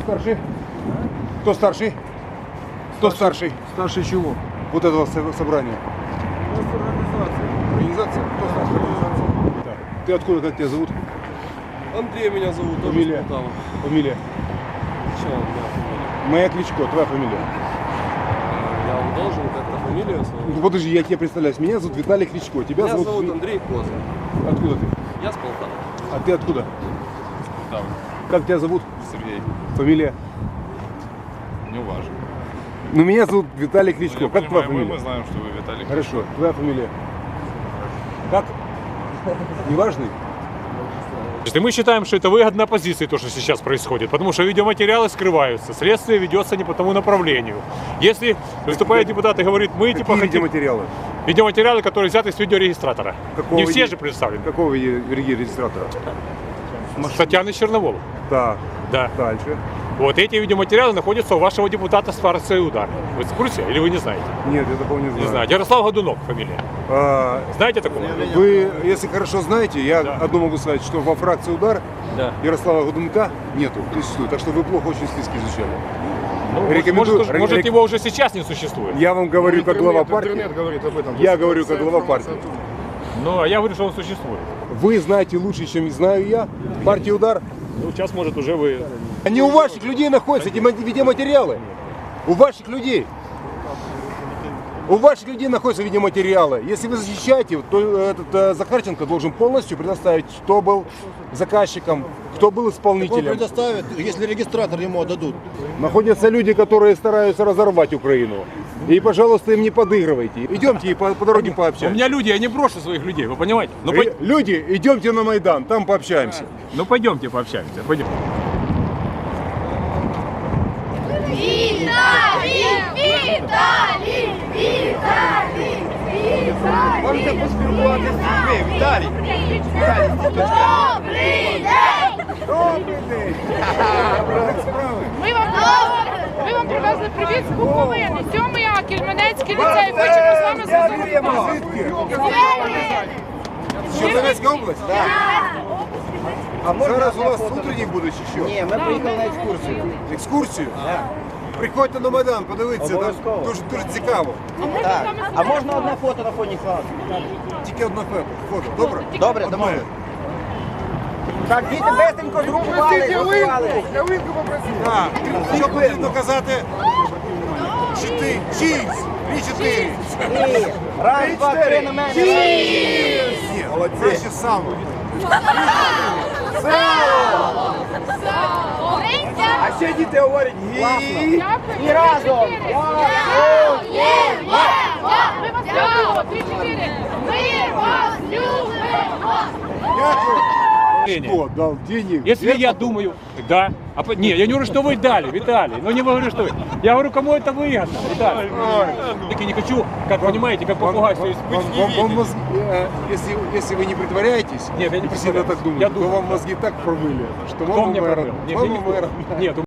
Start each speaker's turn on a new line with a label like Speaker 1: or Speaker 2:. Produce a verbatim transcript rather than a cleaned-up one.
Speaker 1: старший? Кто старший? Кто старший?
Speaker 2: Старший чего?
Speaker 1: Вот этого со- собрания.
Speaker 2: У нас организация.
Speaker 1: Организация? Кто старший организации? Да. Ты откуда, как тебя зовут?
Speaker 2: Андрей меня зовут, тоже
Speaker 1: Фамилия?
Speaker 2: с Полтавы.
Speaker 1: Фамилия?
Speaker 2: Что у меня фамилия?
Speaker 1: Моя Кличко, твоя фамилия.
Speaker 2: Я вам должен как-то фамилию свою?
Speaker 1: Ну, подожди, я тебе представляюсь. Меня зовут Виталий Кличко. Тебя
Speaker 2: Меня
Speaker 1: зовут...
Speaker 2: зовут
Speaker 1: Ви-
Speaker 2: Андрей Коза.
Speaker 1: Откуда ты?
Speaker 2: Я с Полтавы.
Speaker 1: А ты откуда?
Speaker 3: Там,
Speaker 1: Как тебя зовут?
Speaker 3: Сергей,
Speaker 1: Фамилия?
Speaker 3: не важно.
Speaker 1: Ну, меня зовут Виталий Кличко.
Speaker 3: Ну, я
Speaker 1: Как твоя
Speaker 3: понимаю, мы,
Speaker 1: фамилия?
Speaker 3: мы знаем, что вы Виталий.
Speaker 1: Хорошо. Твоя фамилия? Как? Неважный?
Speaker 4: И мы считаем, что это выгодно оппозиции, то, что сейчас происходит, потому что видеоматериалы скрываются, следствие ведется не по тому направлению. Если выступает депутат и говорит, мы типа
Speaker 1: Какие
Speaker 4: хотим...
Speaker 1: видеоматериалы?
Speaker 4: Видеоматериалы, которые взяты с видеорегистратора.
Speaker 1: Какого
Speaker 4: Не все
Speaker 1: виде-
Speaker 4: же представлены.
Speaker 1: Какого регистратора?
Speaker 4: С Татьяны Черноволу.
Speaker 1: Так,
Speaker 4: Да.
Speaker 1: дальше.
Speaker 4: Вот эти видеоматериалы находятся у вашего депутата с фракции «Удар». Вы в курсе или вы не знаете?
Speaker 1: Нет, я такого не знаю.
Speaker 4: Не знаю. Ярослав Годунов фамилия.
Speaker 1: А,
Speaker 4: Знаете такого?
Speaker 1: вы, если хорошо знаете, я
Speaker 4: Да.
Speaker 1: одно могу сказать, что во фракции «Удар»
Speaker 4: Да.
Speaker 1: Ярослава Годунка нету, не существует. Так что вы плохо очень списки изучали.
Speaker 4: Ну,
Speaker 1: Рекомендую-
Speaker 4: может, может,
Speaker 1: рек-
Speaker 4: его уже сейчас не существует.
Speaker 1: Я вам говорю как глава партии.
Speaker 3: Интернет говорит об этом.
Speaker 1: Я говорю как глава партии.
Speaker 4: Ну, а я говорю, что он существует.
Speaker 1: Вы знаете лучше, чем знаю я. Партия «Удар».
Speaker 4: Ну, сейчас, может, уже вы...
Speaker 1: Они у ваших людей находятся, эти ма- видеоматериалы. У ваших людей. У ваших людей находятся видеоматериалы. Если вы защищаете, то этот э, Захарченко должен полностью предоставить, кто был заказчиком, кто был
Speaker 5: Он
Speaker 1: исполнителем.
Speaker 5: предоставит, если регистратор ему отдадут.
Speaker 1: Находятся люди, которые стараются разорвать Украину. И, пожалуйста, им не подыгрывайте. Идемте и по, по дороге
Speaker 4: У
Speaker 1: пообщаемся.
Speaker 4: меня люди, я не брошу своих людей, вы понимаете? Ну,
Speaker 1: Ре- Люди, идемте на Майдан, там пообщаемся.
Speaker 4: Ну пойдемте пообщаемся. Пойдем.
Speaker 6: Віталій! Віталій! Віталій! Віталій!
Speaker 5: Можете поспілкуватися з людьми, Віталій.
Speaker 6: Добрий день!
Speaker 1: Добрий день!
Speaker 7: Ми вам, ми вам привезли привіт з Буковини. Сьомий А, Кельменецький ліцей. Хочемо з вами зв'язатися.
Speaker 1: Чернівецька область? А зараз у вас утренні будуть чи що?
Speaker 5: Ні, ми приїхали на екскурсію.
Speaker 1: Екскурсію? Приходьте на Майдан, подивіться, там
Speaker 5: Обов'язково.
Speaker 1: дуже, дуже цікаво.
Speaker 5: Так. А можна одне фото на фоні класу?
Speaker 1: Тільки одне фото. Фото, добре?
Speaker 5: Добре,
Speaker 1: Одне.
Speaker 5: домовились. Так, діти бесенько згрупували, згрупували.
Speaker 1: Так, що потрібно казати? Чотири. Чіз. Дві чотири.
Speaker 5: І раз, два, три на мене.
Speaker 1: Ні, краще саме.
Speaker 5: А ще діти говорять гі.
Speaker 7: Дякую.
Speaker 5: І разом.
Speaker 7: Ми вас любимо. Три-чотири.
Speaker 6: Ми вас любимо!
Speaker 1: Кто дал денег?
Speaker 4: Если я думаю, да. А, по- не, я не говорю, что вы дали, Виталий. Ну не говорю, что вы. Я говорю, кому это выгодно, Виталий. Так я не хочу, как понимаете, как попугай все
Speaker 1: Вам, вам- вам мозги, э, если, если вы не притворяетесь,
Speaker 4: Нет, я не
Speaker 1: и сильно
Speaker 4: притворяюсь.
Speaker 1: так думаете,
Speaker 4: Я
Speaker 1: то
Speaker 4: думаю.
Speaker 1: вам мозги так промыли, что
Speaker 4: Кто
Speaker 1: мама
Speaker 4: мне
Speaker 1: мэра,
Speaker 4: пробил? Нет,
Speaker 1: мама
Speaker 4: я не-
Speaker 1: мэра.
Speaker 4: Нет,